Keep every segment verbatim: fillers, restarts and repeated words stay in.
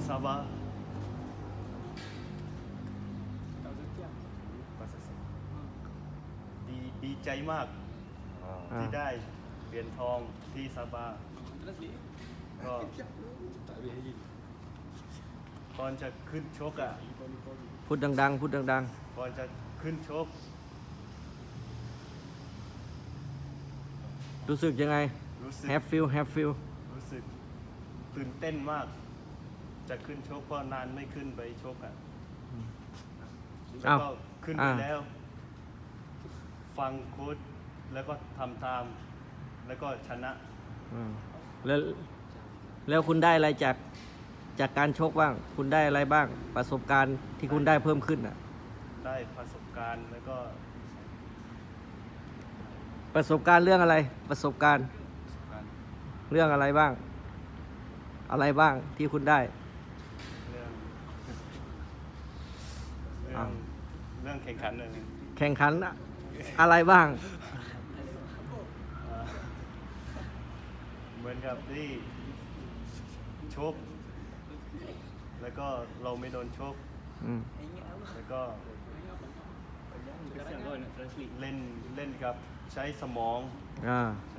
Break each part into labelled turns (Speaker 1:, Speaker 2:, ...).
Speaker 1: Sabah
Speaker 2: Tahu setiap.
Speaker 1: ดีดีใจมาก
Speaker 3: อ่า
Speaker 1: ที่ได้เหรียญทองที่ซาบา
Speaker 2: Terus ni.
Speaker 1: ก็
Speaker 2: Tak boleh lagi.
Speaker 1: ก่อนจะขึ้นชกอ่ะ
Speaker 4: พูดดังๆ พูดดัง
Speaker 1: ก่อนจะขึ้นชก
Speaker 4: ๆ รู้สึกยังไง
Speaker 1: รู้สึก
Speaker 4: have feel have feel
Speaker 1: รู้สึกตื่นเต้นมาก จะขึ้นชกเพราะนานไม่ขึ้นไปชกอ่ะแล้ว
Speaker 4: อ้าว
Speaker 1: ก็ขึ้นไป
Speaker 4: อ่า
Speaker 1: แล้ว ฟังโค้ชแล้วก็ทำตาม แล้วก็ชนะ
Speaker 4: อืมแล้วแล้วคุณได้อะไรจากจากการชกบ้าง คุณได้อะไรบ้าง ประสบการณ์ที่คุณได้เพิ่มขึ้นอ่ะ
Speaker 1: ได้ประสบการณ์แล้วก็
Speaker 4: ประสบการณ์เรื่องอะไร ประสบการณ์
Speaker 2: Kan.
Speaker 4: เรื่องอะไรบ้าง อะไรบ้างที่คุณได้
Speaker 1: เรื่องเรื่อ
Speaker 4: อ้าง ว
Speaker 1: เรื่องแข่งขันเลย
Speaker 4: แข่งขันอะอะไรบ้าง
Speaker 1: อ่าเหมือนกับที่ชก แล้วก็เราไม่โดนชก
Speaker 4: อืม
Speaker 1: แล้วก็
Speaker 2: Sekarang kau nak translate.
Speaker 1: เล่นเล่นกับใช้สมอง
Speaker 4: อ่า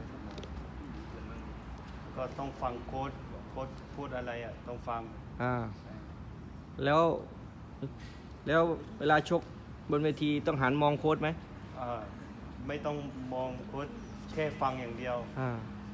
Speaker 1: ก็ต้องฟังโค้ดโค้ดพูดอะไรอ่ะต้องฟัง
Speaker 4: อ่า แล้ว แล้วเวลาชกบนเวทีต้องหันมองโค้ชไหม
Speaker 1: อ่าไม่ต้องมองโค้ดแค่ฟังอย่างเดียว
Speaker 4: อ่า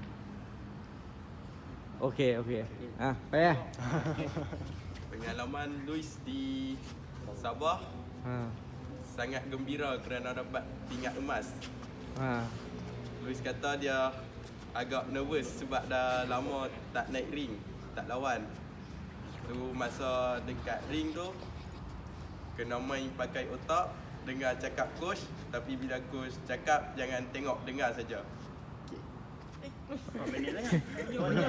Speaker 4: โอเค โอเค อ่ะ ไป
Speaker 5: Pengalaman Luis di Sabah
Speaker 4: อ่า
Speaker 5: sangat gembira kerana dapat pingat emas.
Speaker 4: อ่า
Speaker 5: Luis kata dia agak nervous sebab dah lama tak naik ring, tak lawan. Tu masa dekat ring tu kena main pakai otak, dengar cakap coach, tapi bila coach cakap jangan tengok dengar saja.